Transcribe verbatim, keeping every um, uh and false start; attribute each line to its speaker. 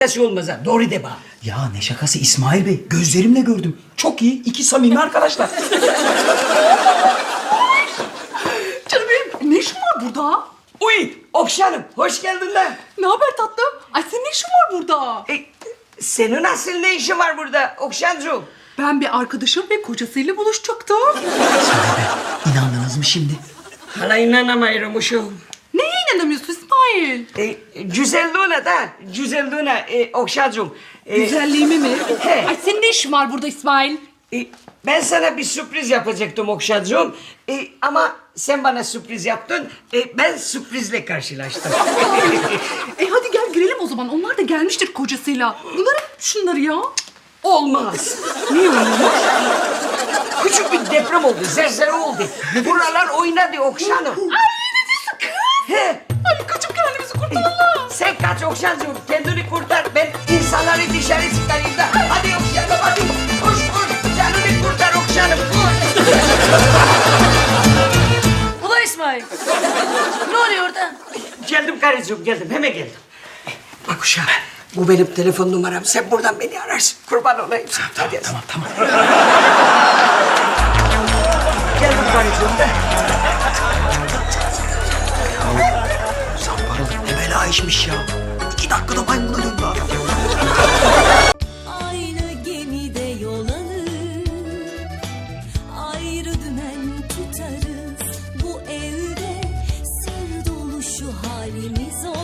Speaker 1: Nasıl olmaz ha? Doğru de bana.
Speaker 2: Ya ne şakası İsmail Bey. Gözlerimle gördüm. Çok iyi. İki samimi arkadaşlar.
Speaker 3: Canım benim ne işin var burada?
Speaker 1: Uy Okşanım hoş geldin lan.
Speaker 3: Ne haber tatlım? Ay senin ne işin var burada?
Speaker 1: E, senin asıl ne işin var burada Okşancığım?
Speaker 3: Ben bir arkadaşım ve kocasıyla buluşacaktım.
Speaker 2: İsmail Bey inandınız mı şimdi?
Speaker 1: Hala inanamıyorum uşum.
Speaker 3: Neye inanamıyorsun İsmail?
Speaker 1: E, güzelliğine da, güzelliğine e, Okşancığım. E,
Speaker 3: Güzelliğimi mi?
Speaker 1: He.
Speaker 3: Ay senin ne işin var burada İsmail?
Speaker 1: e, ben sana bir sürpriz yapacaktım Okşancığım. E, ama sen bana sürpriz yaptın. E, ben sürprizle karşılaştım.
Speaker 3: E hadi gel girelim o zaman. Onlar da gelmiştir kocasıyla. Bunları şunları ya.
Speaker 1: Olmaz.
Speaker 3: Niye öyle?
Speaker 1: Küçük bir deprem oldu, zelzele oldu. Buralar oynadı Okşanım.
Speaker 3: Ay ne diyorsun kız?
Speaker 1: He.
Speaker 3: Hadi kaçıp kendimizi kurtaralım.
Speaker 1: Sen kaç Okşancığım, kendini kurtar. Ben insanları dışarı çıkarayım da. Hadi Okşanım, hadi. Koş koş, canını kurtar Okşanım, koş.
Speaker 4: Ula İsmail. Ne oluyor orada?
Speaker 1: Geldim karıcığım, geldim. Hemen geldim. Bak uşağım, bu benim telefon numaram. Sen buradan beni ararsın. Kurban olayım sana. Hadi yaz.
Speaker 2: Tamam tamam.
Speaker 1: Geldim karıcığım da.
Speaker 2: Zamparalık ne bela işmiş ya. İki dakikada maymuna döndü adam.
Speaker 5: Aynı gemide yol alır, ayrı dümen tutarız. Bu evde sır dolu şu halimiz